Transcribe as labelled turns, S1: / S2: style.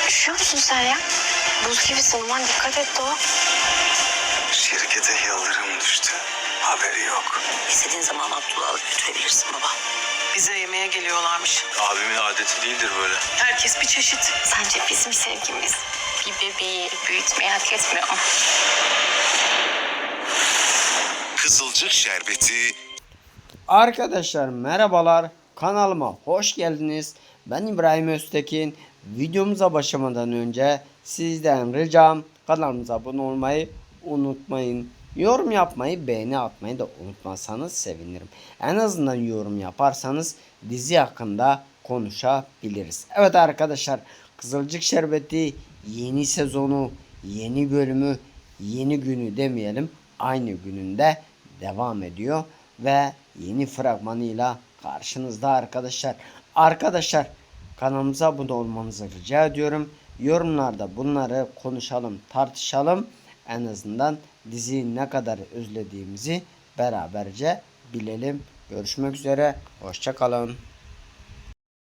S1: Üşüyor musun sen ya? Buz gibisin, aman dikkat et Doğa.
S2: Şirkete yıldırım düştü. Haberi yok.
S1: İstediğin zaman Abdullah'ı alıp götürebilirsin baba.
S3: Bize yemeğe geliyorlarmış.
S2: Abimin adeti değildir böyle.
S3: Herkes bir çeşit.
S1: Sence bizim sevgimiz bir bebeği büyütmeyi hak etmiyor mu?
S4: Kızılcık Şerbeti.
S5: Arkadaşlar merhabalar, kanalıma hoş geldiniz. Ben İbrahim Öztekin. Videomuza başlamadan önce sizden ricam kanalımıza abone olmayı unutmayın. Yorum yapmayı, beğeni atmayı da unutmazsanız sevinirim. En azından yorum yaparsanız dizi hakkında konuşabiliriz. Evet arkadaşlar, Kızılcık Şerbeti yeni sezonu, yeni bölümü, yeni günü demeyelim, aynı gününde devam ediyor ve yeni fragmanıyla karşınızda arkadaşlar. Arkadaşlar, kanalımıza abone olmanızı rica ediyorum. Yorumlarda bunları konuşalım, tartışalım. En azından diziyi ne kadar özlediğimizi beraberce bilelim. Görüşmek üzere. Hoşça kalın.